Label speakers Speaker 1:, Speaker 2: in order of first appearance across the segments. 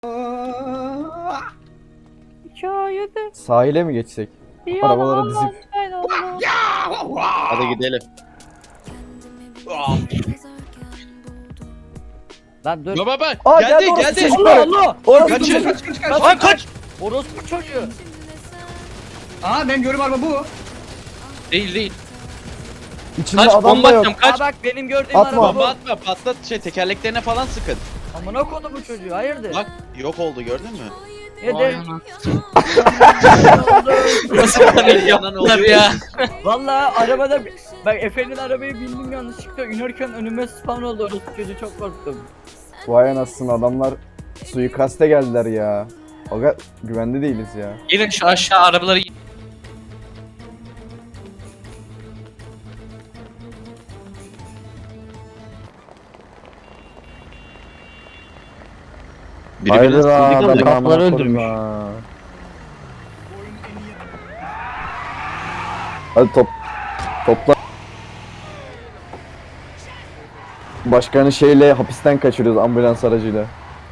Speaker 1: Hikayede
Speaker 2: Sahile mi geçsek? Arabaları dizip.
Speaker 3: Hadi gidelim.
Speaker 1: Lan dur.
Speaker 3: Baba
Speaker 2: Aa,
Speaker 3: geldi
Speaker 2: orası
Speaker 3: geldi.
Speaker 2: çocuklar.
Speaker 1: Allah!
Speaker 2: Orası
Speaker 3: Kaçın.
Speaker 2: çocuk.
Speaker 3: Lan kaç.
Speaker 1: Orospu çocuğu.
Speaker 4: Aa benim gördüğüm araba bu.
Speaker 3: Değil.
Speaker 2: İçinde
Speaker 3: Kaç,
Speaker 2: adam
Speaker 3: bomba
Speaker 2: da yok.
Speaker 3: atacağım, kaç.
Speaker 1: Aa bak benim gördüğüm
Speaker 2: Atma.
Speaker 1: araba bu.
Speaker 3: Bomba atma, patlat tekerleklerine falan sıkın.
Speaker 1: Amına kodu bu çocuğu hayırdır?
Speaker 3: Bak yok oldu, gördün mü?
Speaker 1: Yedir.
Speaker 3: Nasıl panik yaptılar ya?
Speaker 1: Valla arabada bak Efe'nin arabaya bindim yanlışlıkla inerken önüme spawn oldu orospu çocuğu çok korktum.
Speaker 2: Vay anasını, adamlar suikaste geldiler ya. Aga güvende değiliz ya.
Speaker 5: Gelin şu aşağı arabaları.
Speaker 2: Haydi
Speaker 1: kapıları öldürmüş.
Speaker 2: Hadi topla. Başkanı şeyle hapisten kaçırıyoruz, ambulans aracıyla.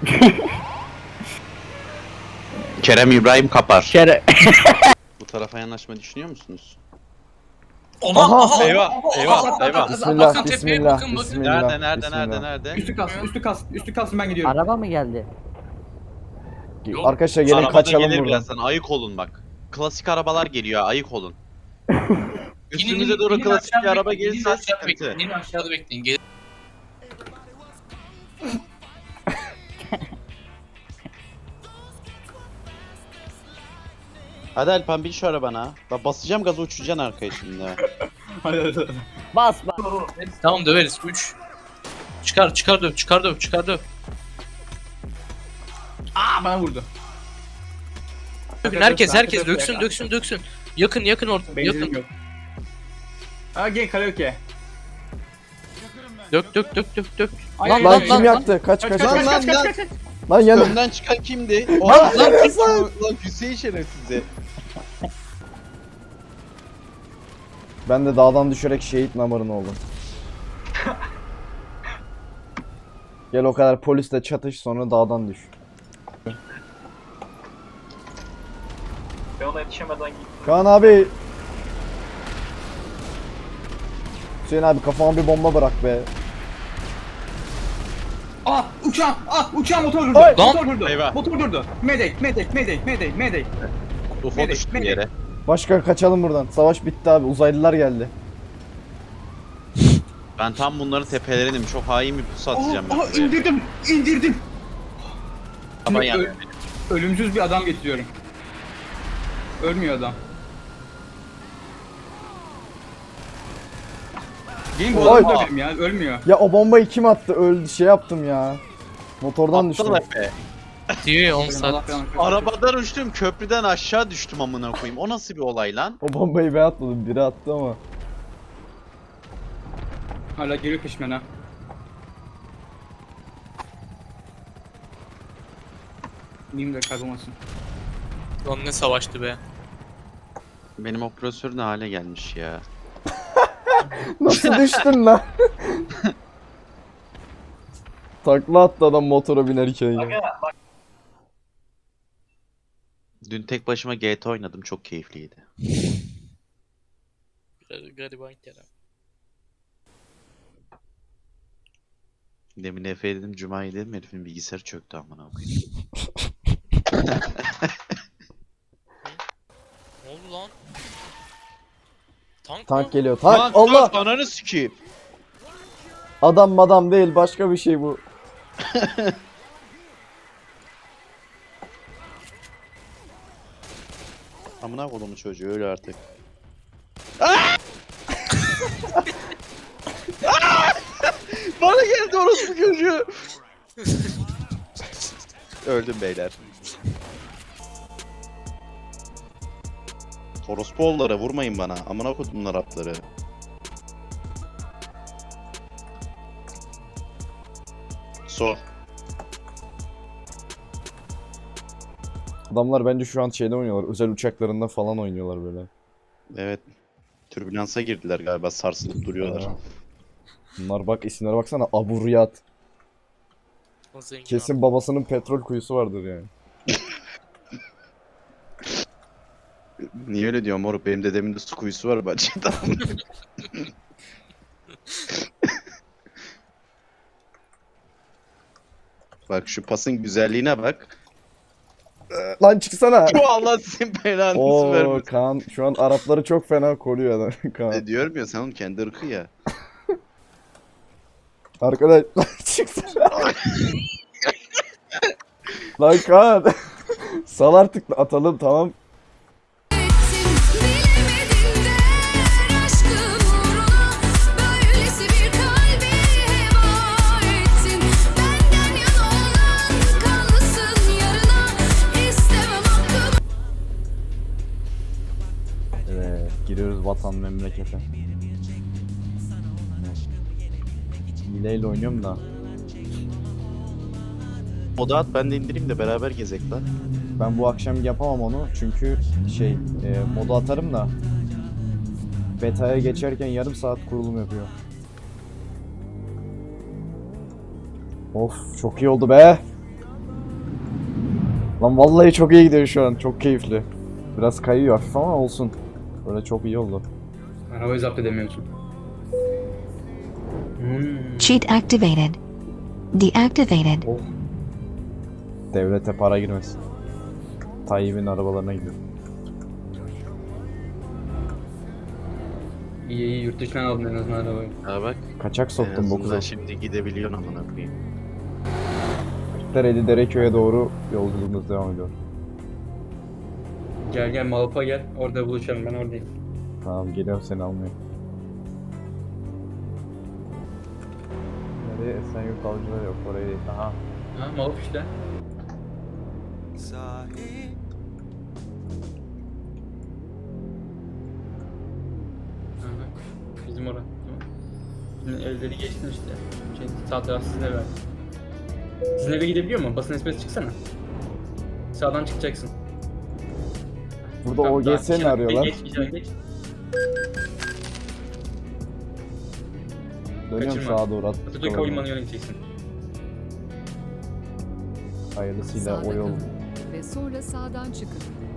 Speaker 3: Kerem İbrahim Kapar.
Speaker 1: Kere.
Speaker 3: Bu tarafa yanaşma düşünüyor musunuz?
Speaker 2: Aha!
Speaker 3: Eyvah.
Speaker 2: Bismillah,
Speaker 5: Bakın tepeye,
Speaker 2: bismillah,
Speaker 5: bakın.
Speaker 2: bismillah.
Speaker 3: Nerede?
Speaker 4: Üstü kalsın ben gidiyorum.
Speaker 1: Araba mı geldi?
Speaker 5: Yok.
Speaker 2: Arkadaşlar gelin
Speaker 3: Arabada
Speaker 2: kaçalım
Speaker 3: gelir
Speaker 2: buradan.
Speaker 3: birazdan, ayık olun bak. Klasik arabalar geliyor, ayık olun. Üstümüze
Speaker 5: İnin,
Speaker 3: doğru
Speaker 5: inin
Speaker 3: klasik bir
Speaker 5: aşağıda
Speaker 3: araba
Speaker 5: bekleyin,
Speaker 3: gelirse
Speaker 5: inin aşağıda
Speaker 3: sıkıntı.
Speaker 5: bekleyin, inin aşağıda bekleyin.
Speaker 3: Hadi Alpan bin şu arabana. Bak basacağım gazı, uçacaksın arkaya şimdi.
Speaker 4: Hadi.
Speaker 1: Bas bas.
Speaker 5: Tamam döveriz. 3. Çıkar döv.
Speaker 4: Aa bana vurdu.
Speaker 5: Dökün, herkes döksün. Yakın orta.
Speaker 4: Benzinim
Speaker 5: Yakın.
Speaker 4: yok. Aa gel karaoke.
Speaker 5: Dök.
Speaker 4: Ay,
Speaker 1: Lan,
Speaker 4: ay,
Speaker 2: Lan
Speaker 4: ay,
Speaker 2: kim
Speaker 4: ay.
Speaker 2: yaktı? Kaç.
Speaker 4: Kaç.
Speaker 2: Lan yanı.
Speaker 3: Önden çıkan kimdi?
Speaker 2: Lan
Speaker 3: Lan Hüseyin şerefsizi.
Speaker 2: Ben de dağdan düşerek şehit namarın oldum. Gel o kadar polisle çatış, sonra dağdan düş.
Speaker 6: Ben ona yetişemeden
Speaker 2: Kaan abi. Hüseyin abi kafama bir bomba bırak be.
Speaker 4: Aa uçağım motor durdu.
Speaker 2: Ay!
Speaker 4: Motor durdu.
Speaker 3: Eyvah.
Speaker 4: Motor durdu. Mayday.
Speaker 3: UFO düştü bir yere.
Speaker 2: Başkan kaçalım buradan. Savaş bitti abi. Uzaylılar geldi.
Speaker 3: Ben tam bunların tepelerinim. Çok hain bir pusu atacağım ben
Speaker 4: Aa
Speaker 3: buraya.
Speaker 4: indirdim.
Speaker 3: Ama
Speaker 4: Şimdi
Speaker 3: yani.
Speaker 4: ölümsüz bir adam getiriyorum. Ölmüyor adam. Gelin bu
Speaker 2: Oy.
Speaker 4: adamı dövelim ya, ölmüyor.
Speaker 2: Ya o bombayı kim attı? Öldü, şey yaptım ya. Motordan düştüm.
Speaker 3: Aptal Efe.
Speaker 5: Diyor ya 10
Speaker 4: Allah
Speaker 5: saat.
Speaker 4: belanı versin.
Speaker 3: Arabadan uçtum, köprüden aşağı düştüm amına koyayım. O nasıl bir olay lan?
Speaker 2: O bombayı ben atmadım. Biri attı ama.
Speaker 4: Hala geliyor peşimden ha. Neyim de kaybolmasın.
Speaker 5: Lan ne savaştı be.
Speaker 3: Benim operatör ne hale gelmiş ya.
Speaker 2: Nasıl düştün lan? Takla attı adam motora binerken ya.
Speaker 3: Dün tek başıma GTA oynadım, çok keyifliydi.
Speaker 5: Gariban Kerem.
Speaker 3: Demin Efe'ye dedim, Cuma'ya dedim, herifin bilgisayarı çöktü amına koyayım.
Speaker 5: Ne oldu lan?
Speaker 2: Tank
Speaker 5: mı?
Speaker 2: geliyor. Tank. Allah!
Speaker 3: Ananı sikeyim.
Speaker 2: Adam değil, başka bir şey bu.
Speaker 3: Amına kodumu çocuğu, öyle artık. Bana geldi orospu çocuğu. Öldüm beyler. Orospu oğulları vurmayın bana. Amına kodum Arapları. So.
Speaker 2: Adamlar bence şu an şeyde oynuyorlar. Özel uçaklarında falan oynuyorlar böyle.
Speaker 3: Evet. Türbülansa girdiler galiba, sarsılıp duruyorlar.
Speaker 2: Bunlar bak, isimlere baksana. Abu Riyad.
Speaker 5: O zengin
Speaker 2: Kesin babasının petrol kuyusu vardır yani.
Speaker 3: Niye öyle diyorsun moruk? Benim dedemin de su kuyusu var bahçede. Bak şu pasın güzelliğine bak.
Speaker 2: Lan çıksana.
Speaker 3: Bu Allah sizin belanızı
Speaker 2: Oo
Speaker 3: vermesin.
Speaker 2: Kaan şu an Arapları çok fena koruyor adam Kaan.
Speaker 3: Diyorum ya sen onun kendi ırkı ya.
Speaker 2: Arkadaş lan çıksana. Lan Kaan. Sal artık atalım tamam.
Speaker 7: Bilemedin der aşkın uğruna böylesi bir kalbi heba ettin. Benden yana olan kanlısın yarına istemem hakkımı.
Speaker 2: Evet giriyoruz vatan memlekete. Hileyle oynuyorum da.
Speaker 3: Moda at ben de indireyim de beraber gezek lan.
Speaker 2: Ben bu akşam yapamam onu çünkü moda atarım da beta'ya geçerken yarım saat kurulum yapıyor. Of çok iyi oldu be. Lan vallahi çok iyi gidiyor şu an. Çok keyifli. Biraz kayıyor hafif ama olsun. Böyle çok iyi oldu.
Speaker 4: Arabayı zapt edemiyorsun.
Speaker 7: Cheat activated. Deactivated.
Speaker 2: Devlete para girmesin. Tayyip'in arabalarına gidiyor.
Speaker 4: İyi iyi yurt dışından aldın en azından arabayı.
Speaker 3: Ha bak.
Speaker 2: Kaçak
Speaker 3: En
Speaker 2: soktum
Speaker 3: azından
Speaker 2: 9'a.
Speaker 3: şimdi gidebiliyorsun amına koyayım.
Speaker 2: Kırklareli Dereköy'e doğru yolculuğumuz devam ediyor.
Speaker 4: Gel gel Malpa gel. Orada buluşalım ben oradayım.
Speaker 2: Tamam geliyorum seni almaya. Nereye? Esenyurt Avcılar yok oraya değil. Aha.
Speaker 4: Ha Malpa işte. Aha, bizim orada. Şimdi evleri geçtin işte. Sağ taraf sizin eve. Sizin eve gidebiliyor mu? Basın espresi çıksana. Sağdan çıkacaksın.
Speaker 2: Burada
Speaker 4: Tamam, daha
Speaker 2: OGS mi
Speaker 4: içeri-
Speaker 2: arıyorlar?
Speaker 4: Geç içeri geç.
Speaker 2: Dönüyorum
Speaker 4: kaçırma.
Speaker 2: sağa doğru
Speaker 4: Atatürk Havalimanı'na yöneleceksin.
Speaker 2: Hayırlısıyla o yol.
Speaker 8: Ve sonra sağdan çıkın.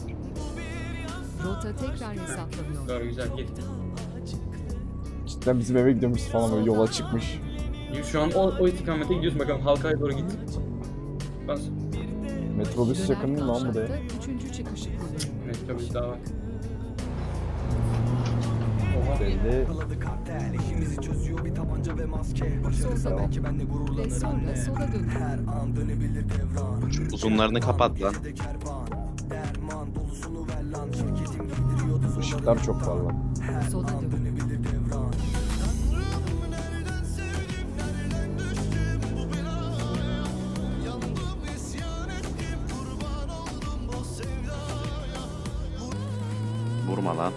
Speaker 8: Rota tekrar hesaplanıyor.
Speaker 4: Doğru güzel git.
Speaker 2: Cidden bizim eve gidiyormuş falan böyle yola çıkmış.
Speaker 4: Şu an o istikamete gidiyorsun bakalım halkaya doğru git. Bas.
Speaker 2: Metrobüs yakın mı lan buraya?
Speaker 8: Kavşakta 3. çıkışı kullanın.
Speaker 4: Evet tabii daha var. Oha.
Speaker 2: Belli.
Speaker 8: Solda ve sonra sola dönün.
Speaker 3: Şu uzunlarını kapat lan.
Speaker 2: Işıklar çok parlak.
Speaker 8: Sola dönün.
Speaker 3: Vurma lan.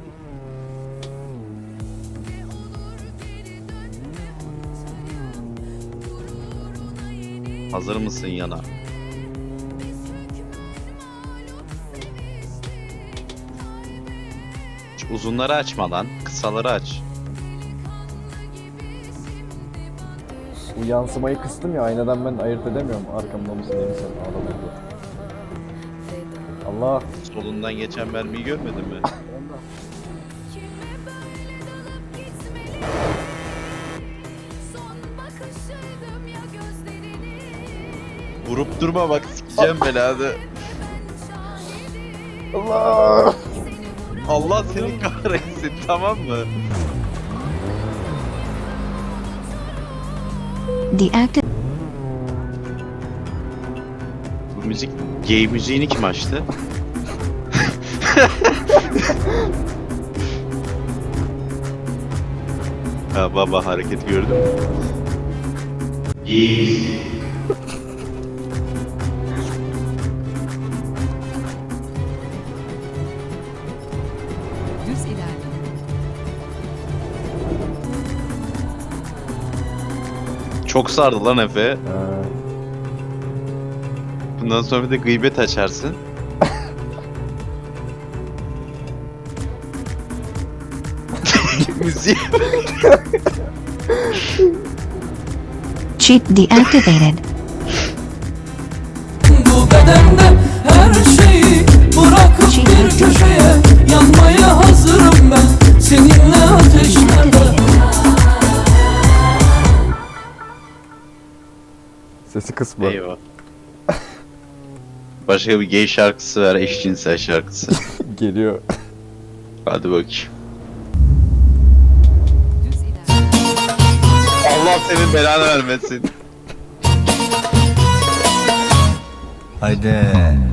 Speaker 3: Hazır mısın yana? Şu uzunları açma lan. Kısaları aç.
Speaker 2: Bu yansımayı kıstım ya aynadan ben ayırt edemiyorum. Arkamda mısın değil misin? Ağlamıyor. Allah.
Speaker 3: Solundan geçen mermiyi görmedin mi?
Speaker 7: Kime böyle dalıp gitmeli? Son bakışıydım ya gözlerini.
Speaker 3: Vurup durma bak sikeceğim belanı.
Speaker 7: Ben şahidim.
Speaker 2: Allah.
Speaker 7: Seni vuran
Speaker 3: Allah seni kahretsin tamam mı?
Speaker 7: Deactivated.
Speaker 3: Bu müzik gay müziğini kim açtı? Ha baba hareket gördün mü? İyi.
Speaker 8: Düz ilerleyin.
Speaker 3: Çok sardı lan Efe.
Speaker 2: Ee,
Speaker 3: Bundan sonra bir de gıybet açarsın. Müziği.
Speaker 7: Cheat deactivated.
Speaker 9: elimden de her şeyi bırakıp bir köşeye yanmaya hazırım ben seninle ateşlerde.
Speaker 2: Sesi kısma.
Speaker 3: Eyvah. Başka bir gay şarkısı ver, eşcinsel şarkısı.
Speaker 2: Geliyor.
Speaker 3: Hadi bakayım.
Speaker 8: Düz ilerleyin.
Speaker 3: Allah senin belanı vermesin.
Speaker 10: Haydi.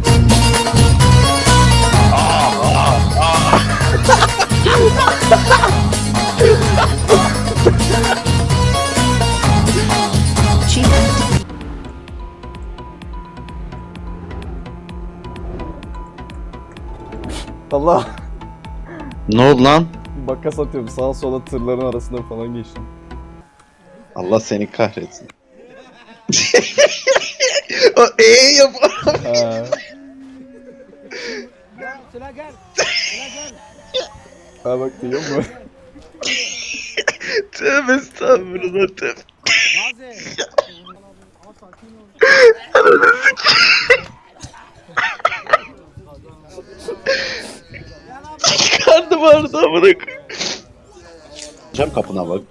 Speaker 2: Allah.
Speaker 3: Ne oldu lan?
Speaker 2: Makas atıyorum sağa sola tırların arasında falan geçtim.
Speaker 3: Allah seni kahretsin. O yap.
Speaker 2: Ha. Ha bak duyuyor musun?
Speaker 3: Tövbe estağfurullah tövbe. Karnım ağrıdı amına koyayım. Cam kapına bak.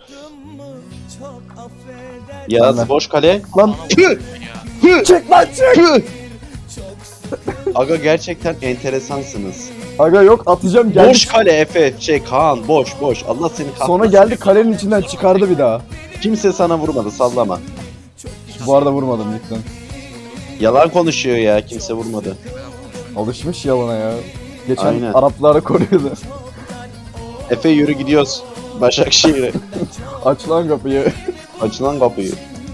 Speaker 3: Yaz boş kale.
Speaker 2: Lan
Speaker 5: Ya.
Speaker 2: çık lan çık!
Speaker 3: Aga gerçekten enteresansınız.
Speaker 2: Aga yok atacağım geldi.
Speaker 3: Boş kale Efe. Kaan boş. Allah seni kahretsin.
Speaker 2: Sonra geldi kalenin içinden çıkardı bir daha.
Speaker 3: Kimse sana vurmadı sallama.
Speaker 2: Bu arada vurmadım lütfen.
Speaker 3: Yalan konuşuyor ya kimse vurmadı.
Speaker 2: Alışmış yalana ya. Geçen
Speaker 3: Aynen.
Speaker 2: Araplara koruyordu.
Speaker 3: Efe yürü gidiyoruz. Başakşehir'e.
Speaker 2: Aç lan kapıyı.
Speaker 3: Açılan kapıyı.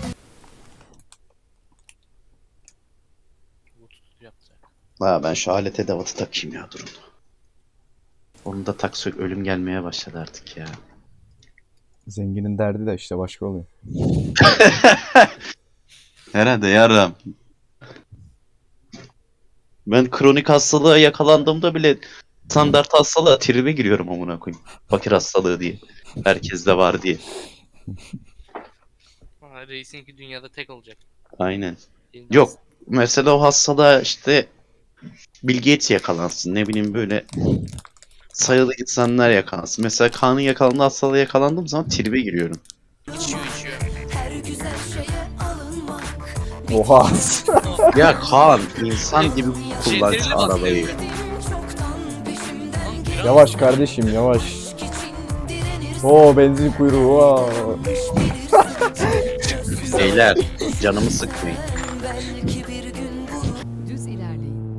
Speaker 5: Yaptı.
Speaker 3: Ha ben şu alet edevatı takayım ya durun. Onu da taksak ölüm gelmeye başladı artık ya.
Speaker 2: Zenginin derdi de işte başka oluyor.
Speaker 3: Herhalde yarım. Ben kronik hastalığa yakalandığımda bile standart hastalığa tribe giriyorum amına koyayım. Fakir hastalığı diye. Herkeste var diye.
Speaker 5: Ha, reisinki dünyada tek olacak.
Speaker 3: Aynen.
Speaker 5: Elinde
Speaker 3: Yok. Mesela o hastalığa işte Bill Gates yakalansın. Ne bileyim böyle sayılı insanlar yakalansın. Mesela Kaan'ın yakalandığı hastalığa yakalandığım zaman tribe giriyorum.
Speaker 5: içiyor.
Speaker 7: Her güzel şeye alınmak.
Speaker 2: Oha.
Speaker 3: Ya Kaan insan gibi kullansın
Speaker 5: Jenerile bak
Speaker 3: arabayı.
Speaker 7: Çoktan peşimden
Speaker 2: Yavaş kardeşim yavaş.
Speaker 7: geçmek için direnirsin.
Speaker 2: Oo benzin kuyruğu. Aa.
Speaker 3: Beyler canımı sıkmayın.
Speaker 7: Belki bir gün bu
Speaker 8: Düz ilerleyin.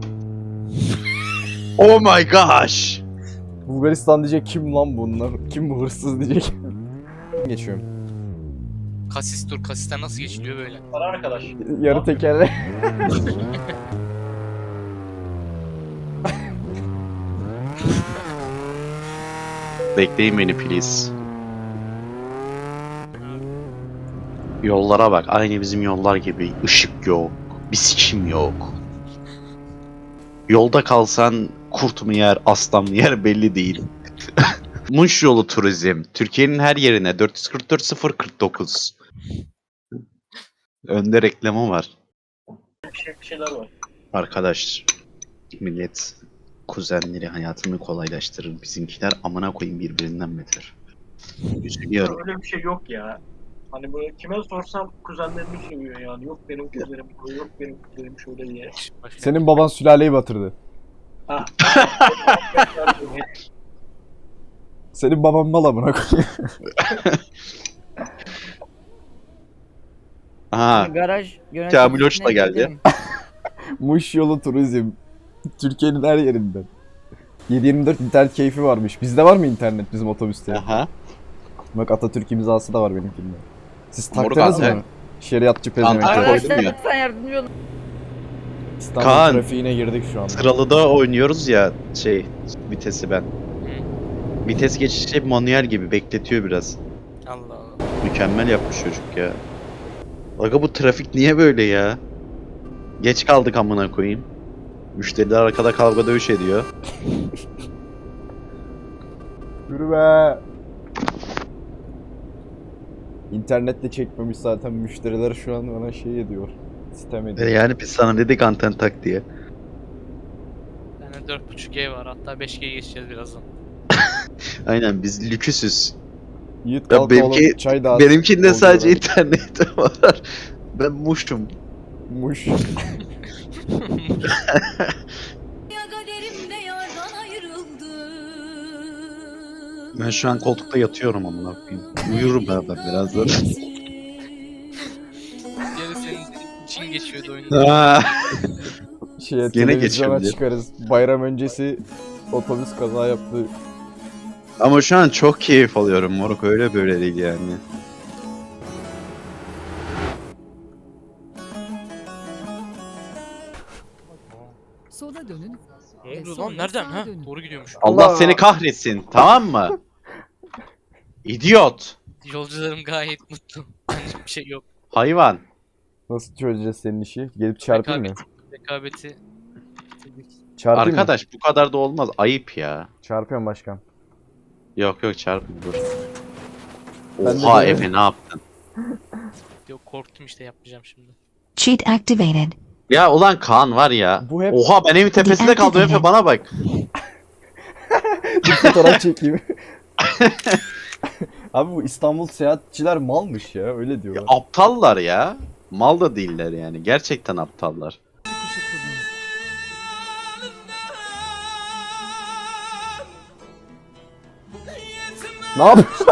Speaker 3: Oh my gosh.
Speaker 2: Bulgaristan diyecek kim lan bunlar? Kim bu hırsız diyecek. Geçiyorum.
Speaker 5: Kasis dur. Kasisten nasıl geçiliyor böyle?
Speaker 6: Para arkadaş.
Speaker 2: Yarı tekerle.
Speaker 3: Bekleyin beni please. Yollara bak. Aynı bizim yollar gibi. Işık yok. Bir sikim yok. Yolda kalsan kurt mu yer, aslan mı yer belli değil. Muş yolu turizm. Türkiye'nin her yerine 444 049. Önde reklamı var.
Speaker 6: Bir şeyler var.
Speaker 3: Arkadaş, millet kuzenleri hayatını kolaylaştırır. Bizimkiler amına koyayım birbirinden beter. Üzülüyorum.
Speaker 6: Öyle bir şey yok ya. Hani böyle kime sorsam kuzenlerini seviyor yani. Yok benim kuzenim, yok benim kuzenim şöyle diye.
Speaker 5: Başka.
Speaker 2: Senin baban sülaleyi batırdı.
Speaker 6: Ha.
Speaker 2: Senin baban mal amına koyayım.
Speaker 3: Aha,
Speaker 1: Garaj
Speaker 3: Kamil Hoş da geldi.
Speaker 1: gidelim.
Speaker 2: Muş yolu turizm. Türkiye'nin her yerinden. 7/24 internet keyfi varmış. Bizde var mı internet bizim otobüste?
Speaker 3: aha.
Speaker 2: Bak Atatürk imzası da var benimkinde. Siz
Speaker 3: Moruk
Speaker 2: taktınız
Speaker 3: abi.
Speaker 2: mı? Şeriatçı
Speaker 3: Antalya
Speaker 2: pezevenkler.
Speaker 3: koydum
Speaker 1: Arkadaşlar
Speaker 3: ya.
Speaker 1: lütfen yardımcı olun.
Speaker 2: İstanbul
Speaker 3: Kaan.
Speaker 2: trafiğine girdik şu anda.
Speaker 3: Sıralıda oynuyoruz ya vitesi ben. Vites geçişi manuel gibi bekletiyor biraz.
Speaker 5: Allah Allah.
Speaker 3: Mükemmel yapmış çocuk ya. Aga bu trafik niye böyle ya? Geç kaldık amına koyayım. Müşteriler arkada kavga dövüş ediyor.
Speaker 2: Yürü be. İnternetle çekmemiş zaten müşteriler şu an bana şey ediyor. Sitem ediyor.
Speaker 3: Yani biz sana dedik anten tak diye.
Speaker 5: Yani 4.5G var, hatta 5G'ye geçeceğiz birazdan.
Speaker 3: Aynen biz lüküsüz.
Speaker 2: Yiğit
Speaker 3: Ya
Speaker 2: kalk
Speaker 3: benimki-
Speaker 2: oğlum çay dağıt.
Speaker 3: Benimkinde
Speaker 2: Oldu
Speaker 3: sadece
Speaker 2: lan.
Speaker 3: internet var. Ben muştum.
Speaker 2: Muş.
Speaker 7: Ya kaderimde yardan ayrıldım.
Speaker 3: Ben şu an koltukta yatıyorum amına koyayım. Uyurum ben birazdan.
Speaker 5: Geri senin için geçiyordu oyunda.
Speaker 3: Aa,
Speaker 2: Şeye,
Speaker 3: Gene
Speaker 2: televizyona
Speaker 3: geçiyorum
Speaker 2: çıkarız. Bayram öncesi otobüs kaza yaptı.
Speaker 3: Ama şu an çok keyif alıyorum moruk, öyle böyle değil yani.
Speaker 8: Sola dönün.
Speaker 5: Ne
Speaker 8: ve
Speaker 5: oldu
Speaker 8: sonra
Speaker 5: lan? Nereden?
Speaker 8: sağa
Speaker 5: Ha?
Speaker 8: dönün.
Speaker 5: Doğru gidiyormuş.
Speaker 3: Allah seni kahretsin, tamam mı? İdiot.
Speaker 5: Yolcularım gayet mutlu. Hiçbir şey yok.
Speaker 3: Hayvan.
Speaker 2: Nasıl çözeceğiz senin işi? Gelip çarpayım mı?
Speaker 5: Rekabeti.
Speaker 2: Çarpayım mı?
Speaker 3: Arkadaş bu kadar da olmaz, ayıp ya.
Speaker 2: Çarpıyorum başkan.
Speaker 3: Yok yok çarpın dur.
Speaker 2: Ben de
Speaker 3: Oha
Speaker 2: böyle-
Speaker 3: Efe ne yaptın?
Speaker 5: Yok, korktum işte, yapmayacağım şimdi.
Speaker 11: Cheat activated.
Speaker 3: Ya ulan Kaan var ya.
Speaker 2: Bu hep-
Speaker 3: Oha ben evin tepesinde kaldım Efe, bana bak.
Speaker 2: Bir fotoğraf çekeyim. Abi bu İstanbul seyahatçiler malmış ya, öyle diyorlar.
Speaker 3: Aptallar ya. Mal da değiller yani. Gerçekten aptallar.
Speaker 8: Çıkışı kullanın.
Speaker 2: Ne yapıyorsun?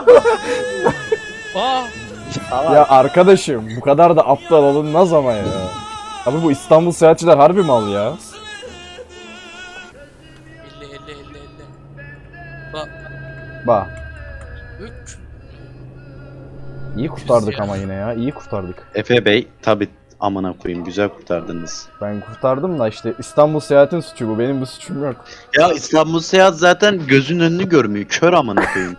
Speaker 5: Aa!
Speaker 2: Ya arkadaşım bu kadar da aptal olunmaz ama ya. Abi bu İstanbul seyahatçiler harbi mal ya.
Speaker 5: 50. Bak.
Speaker 2: Bak
Speaker 5: 3.
Speaker 2: iyi kurtardık ama yine ya, iyi kurtardık.
Speaker 3: Efe Bey tabi amına koyayım, güzel kurtardınız.
Speaker 2: Ben kurtardım da işte İstanbul seyahatin suçu bu, benim bir suçum yok.
Speaker 3: Ya İstanbul Seyahat zaten gözün önünü görmüyor. Kör amına koyayım.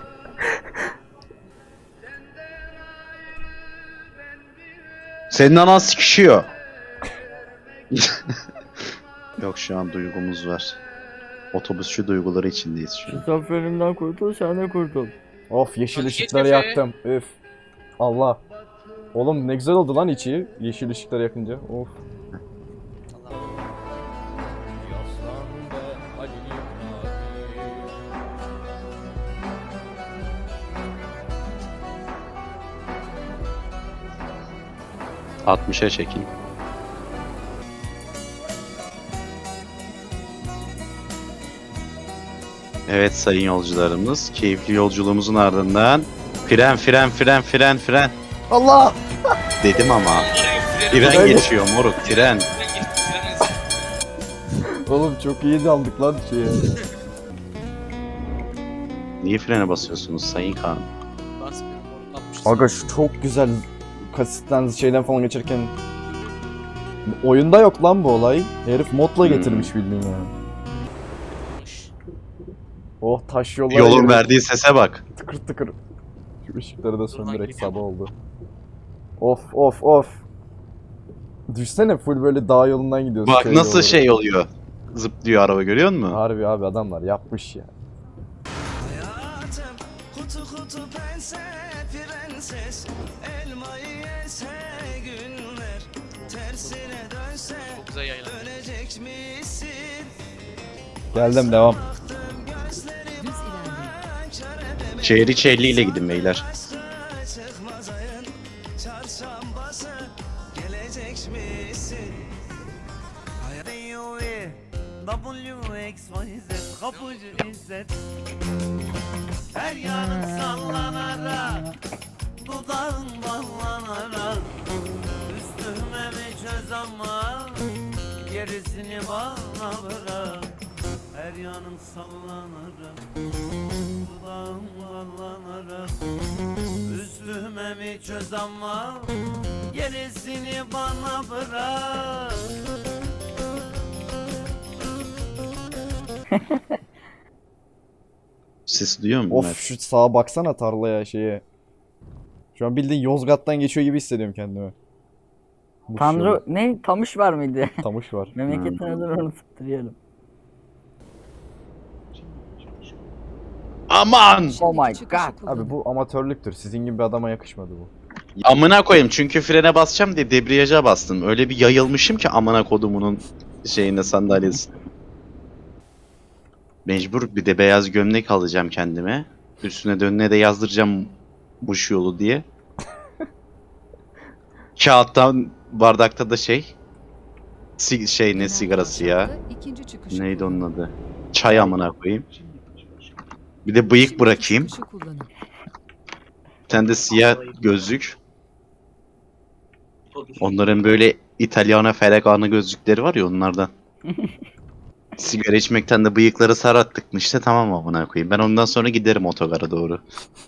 Speaker 3: Senin anan sikişiyor. Yok şu an duygumuz var. Otobüsçü duyguları içindeyiz şu an.
Speaker 1: Zaferimden kurtul, sen de kurtul.
Speaker 2: Of yeşil
Speaker 5: Hadi
Speaker 2: ışıkları
Speaker 5: geç Efe.
Speaker 2: yaktım. Üf. Allah. Oğlum ne güzel oldu lan içi. Yeşil ışıkları yakınca. Of.
Speaker 3: Allah. 60'a çekin. Evet sayın yolcularımız, keyifli yolculuğumuzun ardından fren
Speaker 2: Allah!
Speaker 3: dedim ama tren
Speaker 2: Fren-
Speaker 3: geçiyor moruk, tren.
Speaker 2: Oğlum çok iyi daldık lan şeye.
Speaker 3: Niye frene basıyorsunuz sayın Kaan?
Speaker 5: Basmıyorum oğlum, 60.
Speaker 2: Aga şu çok güzel kasitten şeyden falan geçerken oyunda yok lan bu olay. Herif modla getirmiş bildiğin ya. Oh taş yollar
Speaker 3: Yolun
Speaker 2: yerine
Speaker 3: verdiği sese bak.
Speaker 2: tıkır tıkır. Şu ışıkları da söndürerek
Speaker 5: gidiyorum.
Speaker 2: sabah oldu. Of. Düşsene full böyle dağ yolundan gidiyorsun.
Speaker 3: Bak
Speaker 2: köy
Speaker 3: nasıl
Speaker 2: yolları.
Speaker 3: şey oluyor. Zıplıyor araba, görüyor musun?
Speaker 2: Harbi abi adamlar yapmış ya.
Speaker 9: Kutu kutu pense prenses elmayı yese günler tersine dönse
Speaker 5: Çok güzel yaylan.
Speaker 9: dönecek misin?
Speaker 2: Geldim devam.
Speaker 8: Düz ilerleyin.
Speaker 3: Şehri çelliyle gidin beyler.
Speaker 9: Çıkmaz ayın çarşambası gelecek misin? WXYZ kapıcı İzzet her yanın sallanarak dudağın ballanarak üstüme mi çöz ama gerisini bana bırak her yanın sallanarak dudağın ballanarak üstüme mi çöz ama gerisini bana bırak.
Speaker 3: Sesi duyuyor musun?
Speaker 2: Of şu sağa baksana tarlaya şeye. Şu an bildiğin Yozgat'tan geçiyor gibi hissediyorum kendimi. Bu
Speaker 1: Tanrı ne? Tamış var mıydı?
Speaker 2: şey, Tamış var.
Speaker 1: Memleketin adını unutup duruyorum.
Speaker 3: Aman!
Speaker 1: Oh my
Speaker 8: Çıkışı
Speaker 1: god.
Speaker 8: kullanın.
Speaker 2: Abi bu amatörlüktür. Sizin gibi bir adama yakışmadı bu.
Speaker 3: Amına koyayım çünkü frene basacağım diye debriyaja bastım. Öyle bir yayılmışım ki amına kodumunun şeyine sandalyesi. Mecbur bir de beyaz gömlek alacağım kendime. Üstüne de önüne de yazdıracağım buş yolu diye. Kağıttan bardakta da şey ne sigarası ya?
Speaker 8: İkinci çıkışı
Speaker 3: Neydi
Speaker 8: kullanın.
Speaker 3: onun adı? Çay amına koyayım. Bir de bıyık
Speaker 8: Şimdi
Speaker 3: bırakayım.
Speaker 8: çıkışı kullanın.
Speaker 3: Bir tane de siyah gözlük.
Speaker 6: Otobüs.
Speaker 3: Onların böyle İtalyana Ferragamo gözlükleri var ya onlardan. Sigara içmekten de bıyıkları sarattık mı işte tamam amına koyayım. Ben ondan sonra giderim otogara doğru.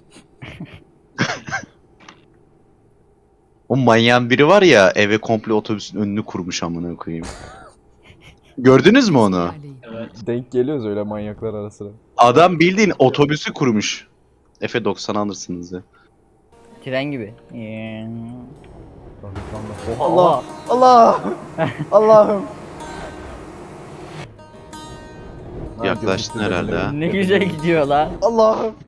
Speaker 3: O manyağın biri var ya eve komple otobüsün önünü kurmuş amına koyayım. Gördünüz mü onu?
Speaker 8: İlerleyin.
Speaker 6: Evet.
Speaker 2: Denk geliyoruz öyle manyaklar arasına.
Speaker 3: Adam bildiğin otobüsü kurmuş. Efe 90 alırsınız ya.
Speaker 1: Tren gibi.
Speaker 2: Allah! Allah! Allah'ım!
Speaker 3: Yaklaştın herhalde ha.
Speaker 1: Ne güzel gidiyor lan.
Speaker 2: Allah'ım!